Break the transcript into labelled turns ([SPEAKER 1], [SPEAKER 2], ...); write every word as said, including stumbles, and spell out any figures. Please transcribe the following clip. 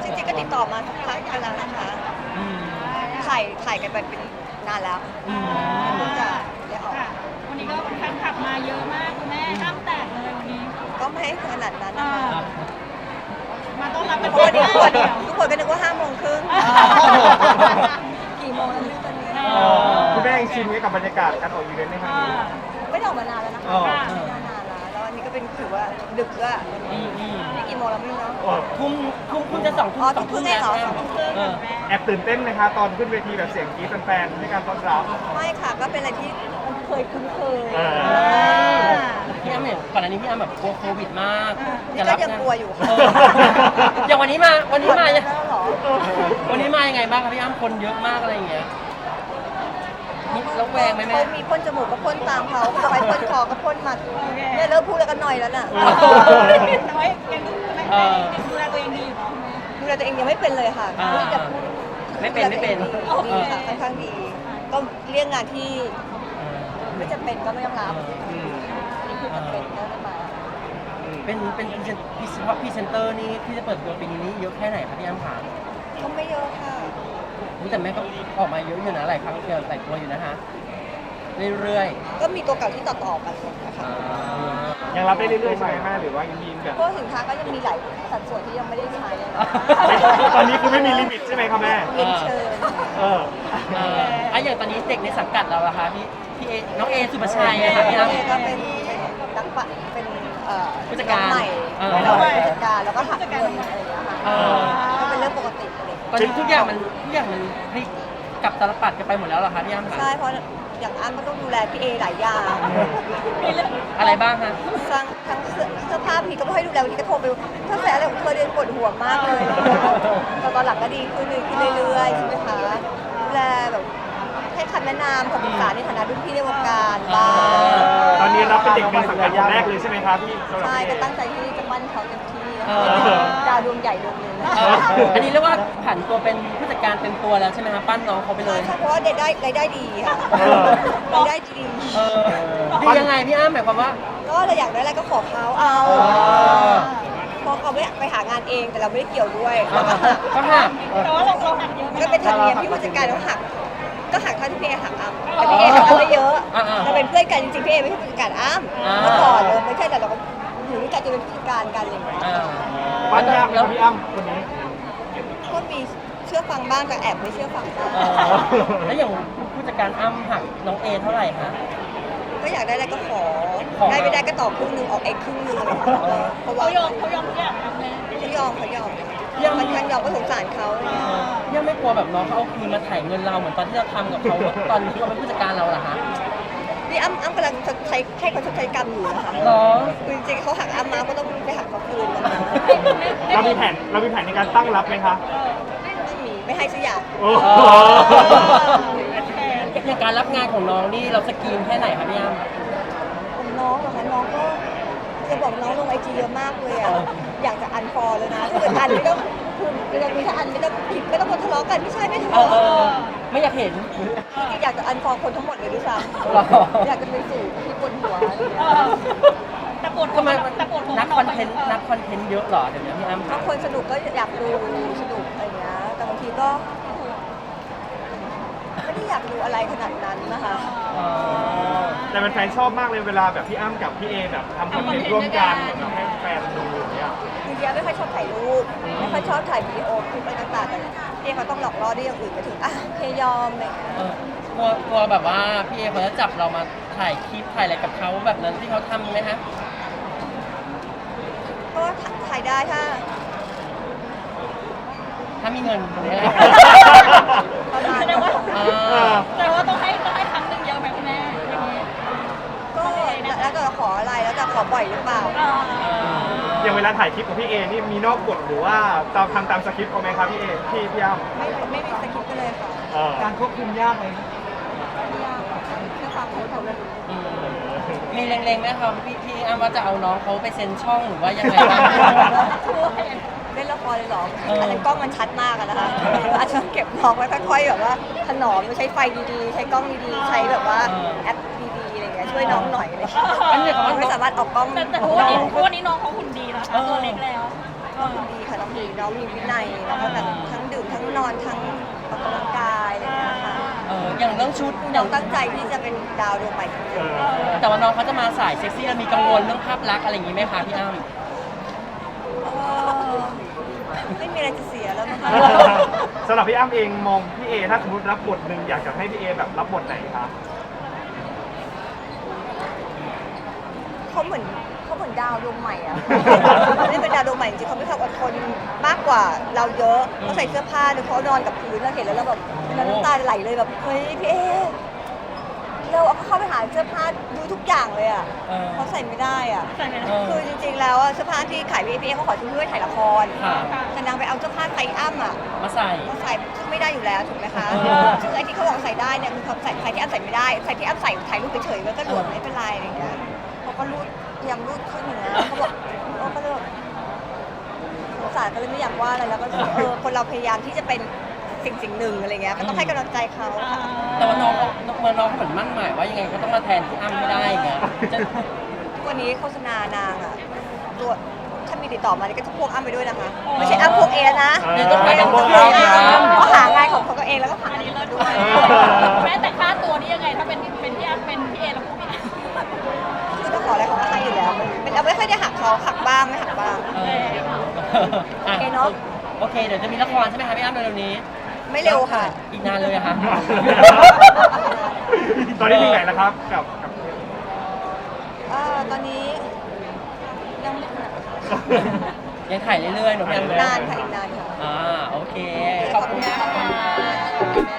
[SPEAKER 1] จริงๆก็ติดต่อมาสักพักกันแล้วนะคะถ่ายถ่ายกันไปเป็นนานแล้วเพิ่งจะได้ออก
[SPEAKER 2] วันนี้ก็แฟนคลับมาเยอะมากคุณแม่ห้ามแตกเลยวันนี้
[SPEAKER 1] ก็ไม่ขนาดนั้นนะคะ
[SPEAKER 2] มาต้อนรับ
[SPEAKER 1] ทุ
[SPEAKER 2] เป็น
[SPEAKER 1] กคน
[SPEAKER 2] เดียว
[SPEAKER 1] ทุกคนก็นึกว่าห้าโมงครึ่งกี่โมงแล้วเนี่ยตอนนี้
[SPEAKER 3] คุณแม่ยังชินกับบรรยากาศการออกอีเวนต์ในครั้งนี้
[SPEAKER 1] ไม่ได้ออกมานานแล้วนะคะ
[SPEAKER 3] อ๋อ
[SPEAKER 1] ไม่ได้นานแล้วแล้วอันนี้ก็เป็นถือว่าดึกด้วยนี่กี่โมงแล้วไม่รู้เนาะ
[SPEAKER 3] โอ้
[SPEAKER 4] ทุ่มทุ่มคุณจะสองทุ่
[SPEAKER 1] อ๋
[SPEAKER 4] ม
[SPEAKER 1] อ
[SPEAKER 4] ส
[SPEAKER 1] ทุ่
[SPEAKER 4] อง
[SPEAKER 1] มครึ่
[SPEAKER 4] ทุ่ม
[SPEAKER 1] งเองเหรอ
[SPEAKER 4] แล้ว
[SPEAKER 1] สองทุ่มครึ่ง
[SPEAKER 4] เออ
[SPEAKER 3] แอบตื่นเต้นไหมคะตอนขึ้นเวทีแบบเสียงกรี๊ดแฟนๆให้การต้อนรับ
[SPEAKER 1] ไม่ค่ะก็เป็นอะไรที่มันเคยคุ้นเคย
[SPEAKER 3] อ่า
[SPEAKER 4] พี่อ้ำเนี่ยก่อนอันนี้พี่อ้ำแบบกลัวโควิดมาก
[SPEAKER 1] นี่ก็ยังกลัวอยู่
[SPEAKER 4] เอออย่างวันนี้มาวันนี้มา
[SPEAKER 1] แล้วเหรอ
[SPEAKER 4] วันนี้มายังไงบ้างครับพี่อ้ำคนเยอะมากอะไรอย่างเงี้ยมีแล้วแวงไหมแม่
[SPEAKER 1] เขามีพ่นจมูกก็พ่นตามเขาเขาไปพ่นคอก็พ่นมาเนี่ยเริ่มพูดแล้วกันหน่อยแล้วน่ะ
[SPEAKER 2] แต่ว่ายังดูแลตัวเองดีอยู่เนาะ
[SPEAKER 1] ดูแลตัวเองยังไม่เป็นเลยค่ะ
[SPEAKER 4] อ่า
[SPEAKER 1] พูดแต่พูด
[SPEAKER 4] ไม่เป็นไม่เป็น
[SPEAKER 1] ดีค่ะค่อนข้างดี ก็เรื่องงานที่
[SPEAKER 4] เออ
[SPEAKER 1] ไม่จำเป็นก็ไม่ต้องรับ
[SPEAKER 3] อืม
[SPEAKER 1] นี่คือจำเป็นก็ได้มา
[SPEAKER 4] เป็นเป็นพรีเซนเฉพาะพรีเซนเตอร์นี่ที่จะเปิดตัวปีนี้นี่เยอะแค่ไหนครับพี่อ้ำขา
[SPEAKER 1] ก็ไม่เยอะค่ะ
[SPEAKER 4] อุ๊ยแต่แม่ก็ออกมาเยอะอยู่นะหลายครั้งเดียวหลายตัวอยู่นะฮะเรื่อย
[SPEAKER 1] ก็มีตัวเก่าที่ต่อต่อๆกันนะคะ
[SPEAKER 4] ๆ
[SPEAKER 3] ยังรับได้เรื่อยๆใช่ไหมแม่หรือว่ายังมีแบบ
[SPEAKER 1] เพราะสินค้าก็ยังมีหลายสัดส่วนที่ยังไม่ได้ใช้เลยนะ
[SPEAKER 3] ตอนนี้คือไม่มีลิมิตใช่ไหมครับแม่
[SPEAKER 1] เรียนเชิญ
[SPEAKER 3] เออ
[SPEAKER 4] เอออ่ะอย่างตอนนี้เด็กในสังกัดเราอะคะพี่พี่เอน้องเอสุภาชัยอะค่ะพี่อ้ำ
[SPEAKER 1] เอก็เป็นนักปะเป็นเอ่อ
[SPEAKER 4] ผู้จัดการ
[SPEAKER 1] น้องใหม่
[SPEAKER 4] เออ
[SPEAKER 1] เราเป็นผู้จัดการแล้วก็หักเงินอะไรอย่างเงี้ยค่ะ
[SPEAKER 4] เออ
[SPEAKER 1] ก็เป็นเรื่องปกติเลย
[SPEAKER 4] ตอนนี้ทุกอย่างมันทุกอย่างมันพลิกกลับตาลปัดกันไปหมดแล้วเหรอคะพี่อ้ำคะ
[SPEAKER 1] ใช่เพราะอย่างอ้ำก็ต้องดูแลพี่เอหลายอย่าง
[SPEAKER 4] อะไรบ้างฮะ
[SPEAKER 1] สร้างทั้งเสื้อเสื้อผ้าพี่ก็ไม่ให้ดูแลวันนี้ก็โทรไปเธอใส่อะไรของเธอเดินปวดหัวมากเลยแต่ตอนหลังก็ดีขึ้นดีขึ้นเรื่อยๆใช่ไหมคะดูแลแบบให้คำแนะนำคำปรึกษาในฐานะรุ่นพี่ในวงการบ้าง
[SPEAKER 3] ตอนนี้รับเป็นเด็กในสังกัดคนแรกเลยใช่ไหมครับพี่สำหรับ
[SPEAKER 1] ใช่
[SPEAKER 3] พี่
[SPEAKER 1] ก็ตั้งใจที่จะปั้นเขาเต็มที่นะ
[SPEAKER 4] เอ
[SPEAKER 1] คะ
[SPEAKER 4] อ
[SPEAKER 1] ดาวดวงใหญ่ดวงหนึ่ง
[SPEAKER 4] เอออันนี้เรียกว่าผันตัวเป็นผู้จัดการเต็มตัวแล้วใช่ไหมคะปั้นน้องเขาไปเล
[SPEAKER 1] ใช่
[SPEAKER 4] ย
[SPEAKER 1] ใช่เพราะว่าได้ได้รายได้ดีค่ะรายได้ดี
[SPEAKER 4] เออดียังไงพี่อ้ำหมายความว่า
[SPEAKER 1] ก็เราอยากได้อะไรก็ขอเขาเอา
[SPEAKER 4] อ๋อ
[SPEAKER 1] พอเขาไม่ไปหางานเองแต่เราไม่ได้เกี่ยวด้วย
[SPEAKER 4] อ่าก็หัก
[SPEAKER 2] แต่ว่าเราเราหักเยอะ
[SPEAKER 1] ก็เป็นธรรมเนียมที่ผู้จัดการต้องหัก ก็หักเท่าที่พี่เอหักอ้ำแต่พี่เอหักอ้ำไม่เยอะ
[SPEAKER 4] อ่าๆ
[SPEAKER 1] เราเป็นเพื่อนกันจริงๆพี่เอไม่ใช่ผู้จัดการอ้ำ
[SPEAKER 4] อ่า
[SPEAKER 1] เมื่อก่อนเลยไม่ใช่แต่เราก็อยู่ด้วยกันจะเป็นผู้จัดการกันอะไรอย่างเงี้ย
[SPEAKER 4] อ่า
[SPEAKER 3] ปั้นยากไหมครับพี่อ้ำคนนี้
[SPEAKER 1] ก็มีเชื่อฟังบ้างแต่แอบไม่เชื่อฟังบ้าง
[SPEAKER 4] เออแล้วอย่างผู้จัดการอ้ำหักน้องเอเท่าไหร่คะ
[SPEAKER 1] ก็อยากได้อะไรก็ขอ
[SPEAKER 4] ขอ
[SPEAKER 1] ได้ไม่ได้ก็ต่อครึ่งหนึ่งออกเอกครึ่งหนึ่งอะไรอย่างเงี้ยเพราะว่า
[SPEAKER 2] เขายอมเขายอมทุกอย่างนะแม่
[SPEAKER 1] เขายอมเขายอม
[SPEAKER 4] ยัง
[SPEAKER 1] มันทางยอมก็สงสารเขาอะไรอย่างเงี้ย
[SPEAKER 4] ยังไม่กลัวแบบน้องเขาเอาคืนมาถ่ายเงินเราเหมือนตอนที่เราทำกับเขาตอนที่เขาเป็นผู้จัดการเราเหรอคะ
[SPEAKER 1] นี่อ้ำอ้ำกำลังชดใช้ให้เขาชดใช้กรรมอยู่นะคะ
[SPEAKER 4] หรอ
[SPEAKER 1] คือจริงๆเขาหักอ้ำมาก็ต้องไปหักเขาคืนนะคะ
[SPEAKER 3] เรามีแผนเรามีแผนในการตั้งรับไหมคะ
[SPEAKER 1] ไม่มีไม่ให้สักอย่าง
[SPEAKER 3] โอ้โห
[SPEAKER 4] อย่างการรับงานของน้องนี่เราสกรีนแค่ไหนคะพี่อ้ำ
[SPEAKER 1] ผมน้องเหรอคะน้องก็จะบอกน้องลงไอจีเยอะมากเลยอ่ะ
[SPEAKER 4] เออ
[SPEAKER 1] อยากจะอันฟอลเลยนะถ้าเกิดอันไม่ต้องคือเรามีถ้าอันไม่ต้องผิดไม่ต้องมาทะเลาะกันไม่ใช่ไม่ทะ
[SPEAKER 4] เออ
[SPEAKER 1] เลาะ
[SPEAKER 4] เออไม่อยากเห็น
[SPEAKER 1] จริงๆอยากจะอันฟอลคนทั้งหมดเลยด้วยซ้
[SPEAKER 4] หรอ
[SPEAKER 1] ำอยากจะเป็นสู่ที่บนหัวอะไรอย่างเงี้ย
[SPEAKER 2] แต่ปวด
[SPEAKER 4] ทำไม
[SPEAKER 2] แต่ปวดหัว
[SPEAKER 4] นักคอนเทนต์นักคอนเทนต์เยอะเหรอเดี๋ยวนี้พี่อ้ำ
[SPEAKER 1] บางคนสนุกก็อยากดูสนุกอะไรอย่างเงี้ยแต่บางทีก็ไม่ได้อยากดูอะไรขนาดนั้นนะคะ
[SPEAKER 4] อ๋อ
[SPEAKER 3] แต่แฟนๆชอบมากเลยเวลาแบบพี่อ้ำกับพี่เอแบบทำคอนเทนต์ร่วมกันแบบให้แฟนดูอย่างเงี้ย
[SPEAKER 1] จริงๆไม่ค่อยชอบถ่ายรูปไม่ค่อยชอบถ่ายวีดีโอคลิปอะไรต่างๆแต่พี่เขาต้องหลอกล่อด้วยอย่างอื่นไปถึงอ่ะโอเคยอมอะไรอย่างเงี้ย
[SPEAKER 4] เออกลัวกลัวแบบว่าพี่เอเขาจะจับเรามาถ่ายคลิปถ่ายอะไรกับเขาแบบนั้นที่เขาทำไหมฮะ
[SPEAKER 1] ก็ถ่ายได้ถ้า
[SPEAKER 4] ถ้ามีเงินเนี่ย
[SPEAKER 1] ประมาณ
[SPEAKER 2] แสดงว่า
[SPEAKER 4] อ่า
[SPEAKER 2] แสดงว่าต้องให้ต้องให้ครั้งหนึ่งเยอะไหมคุณแม่อย่างนี้
[SPEAKER 1] ก็แล้วแต่ขออะไรแล้วแต่ขอบ่อยหรือเปล่า
[SPEAKER 2] อ่า
[SPEAKER 3] อย่างเวลาถ่ายคลิปของพี่เอนี่มีนอกกฎหรือว่าตามทำตามสคริปต์เขาไหมครับพี่เอพี่พี่อ้ำ
[SPEAKER 1] ไม่ไม่มีสคริปต์กันเลยค่ะ
[SPEAKER 3] เออ
[SPEAKER 5] การควบคุมยากไหม
[SPEAKER 1] ไม่ยากค่ะแค่ฟังเขาเลย
[SPEAKER 4] อืมมีเล็งๆไหมครับพี่พี่อ้ำว่าจะเอาน้องเขาไปเซ็นช่องหรือว่ายังไงบ้าง
[SPEAKER 1] เล่นละครเลยเหรอ
[SPEAKER 4] เอออั
[SPEAKER 1] อันนั้นกล้องมันชัดมากอะนะคะอาจจะเก็บน้องไว้ค่อยๆแบบว่าถนอมใช้ไฟดีๆ ใช้กล้องดีๆ ใช้แบบว่าแอปดีๆอะไรอย่างเงี้ยช่วยน้องหน่อยอะไรอย่างเงี้ย
[SPEAKER 4] อันนี้เขาว่า
[SPEAKER 1] ไม่สามารถออกกล้อง
[SPEAKER 2] แต่แต่ทุกวันนี้ทุกวันนี้น้องเขาหุ่นดีนะคะตัวเล็กแล้ว
[SPEAKER 1] น้องดีค่ะน้องดีน้องน้องมีวินัยแล้วก็แบบทั้งดื่มทั้งนอนทั้งออกกำลังกายอะไรอย่างเงี้ยค่ะ
[SPEAKER 4] เอออย่างเรื่องชุด
[SPEAKER 1] น้องตั้งใจที่จะเป็นดาวดวงใหม่จริง
[SPEAKER 3] เออ
[SPEAKER 4] แต่ว่าน้องเขาจะมาสายเซ็กซี่แล้วมีกังวลเรื่องภาพลักษณ์อะไรอย่างงี้ไหมคะพี่อ้ำ
[SPEAKER 1] ๆเออไม่มีอะไรจะเสียแล้วมั้งคะ
[SPEAKER 3] สำหรับพี่อ้ำเองมองพี่เอถ้าสมมติรับบทหนึ่งอยากจะให้พี่เอแบบรับบทไหนครับ
[SPEAKER 1] เขาเหมือนเขาเหมือนดาวดวงใหม่อะ เขาไม่เป็นดาวดวงใหม่จริงๆเขามีความอดทนมากกว่าเราเยอะเขาใส่เสื้อผ้าหรือเขานอนกับพื้นเราเห็นแล้วเราแบบเราน้ำตาไหลเลยแบบเฮ้ยพี่เอเราเอาเข้าไปหาเสื้อผ้าดูทุกอย่างเลยอะ
[SPEAKER 4] เออ
[SPEAKER 1] เขาใส่ไม่ได้อะ
[SPEAKER 2] ใส่ไม่ได้
[SPEAKER 4] เออ
[SPEAKER 1] คือจริงๆแล้วอะเสื้อผ้าที่ขายพี่เอเขาขอซื้อเพื่อถ่ายละคร
[SPEAKER 4] ค่ะ
[SPEAKER 1] แต่นางไปเอาเสื้อผ้าไซส์อ้ำอะ
[SPEAKER 4] มาใส่
[SPEAKER 1] มาใส่ซึ่งไม่ได้อยู่แล้วถูกไหมคะ
[SPEAKER 4] เออ
[SPEAKER 1] ซึ่งไอ้ที่เขาบอกใส่ได้เนี่ยคือเขาใส่ใส่ที่อ้ำใส่ไม่ได้ใส่ที่อ้ำใส่ถ่ายรูปเฉยๆมันก็หลวมไม่เป็นไรอะไรอย่างเงี้ยเขาก็รูดพยายามรูดขึ้นอย่างเงี้ยเขาบอกเขาก็เลยแบบสงสารก็เลยไม่อยากว่าอะไรแล้วก็รู้สึกเออคนเราพยายามที่จะเป็นสิ่งสิ่งหนึ่งอะไรเงี้ยก็ต้องให้กำลังใจเขาค่ะ
[SPEAKER 4] แต่ว่าน้องเขาเมื่อน้องเขาเหมือนมั่นหมายว่ายังไงก็ต้องมาแทนพี่อ้ำไม่ได้ไงจะ
[SPEAKER 1] ทุกวันนี้โฆษณานางอะตัวถ้ามีติดต่อมานี่ก็จะพวกอ้ำไปด้วยนะคะไม่ใช่อ้ำพวกเอนะ
[SPEAKER 4] เดี๋ยวต้องไป
[SPEAKER 1] ไม่
[SPEAKER 4] กับ
[SPEAKER 1] ต้อง
[SPEAKER 4] พ
[SPEAKER 1] พ
[SPEAKER 4] ว
[SPEAKER 1] ว
[SPEAKER 4] ก
[SPEAKER 1] ก
[SPEAKER 4] อ้ำ
[SPEAKER 1] เอ
[SPEAKER 4] นะ
[SPEAKER 1] นะเขาหางานของเขาเองแล้วก็หา
[SPEAKER 2] อันนี้
[SPEAKER 1] เงิน
[SPEAKER 2] เลิศ
[SPEAKER 1] มา
[SPEAKER 2] ด้
[SPEAKER 1] ด้
[SPEAKER 2] ว
[SPEAKER 1] วย ย
[SPEAKER 2] แม้แต่ค่าตัวนี่ยังไงถ้าเป็นเป็นพี่อ้ำเป็นพี่เอเราพูดไม่ได้
[SPEAKER 1] คือถ้าขออะไรเขาก็ให้อยู่แล้วเป็นเราไม่ค่อยได้หักเขาหักบ้างไม่หักบ้าง
[SPEAKER 4] เออ
[SPEAKER 1] โอเคเนอะ
[SPEAKER 4] โอเคเดี๋ยวจะมีละครใช่ไหมคะพี่อ้ำเร็วๆนี้
[SPEAKER 1] ไม่เร็วค่ะ
[SPEAKER 4] อีกนานเลยอะคะ
[SPEAKER 3] ตอนนี้ถึงไหนแล้วครับกับกับ
[SPEAKER 1] เอ่อตอนนี้ยังไม่ถึงไหน
[SPEAKER 4] ยังถ่ายเรื่อยๆหนูพี่อ้ำ
[SPEAKER 1] นานค่ะอีกนานค่ะ
[SPEAKER 4] อ่าโอเค
[SPEAKER 1] ข
[SPEAKER 4] ข
[SPEAKER 1] อ
[SPEAKER 4] อ
[SPEAKER 1] บบ คุ
[SPEAKER 4] คุณ ณ
[SPEAKER 1] ค่ะ
[SPEAKER 4] ค่ะ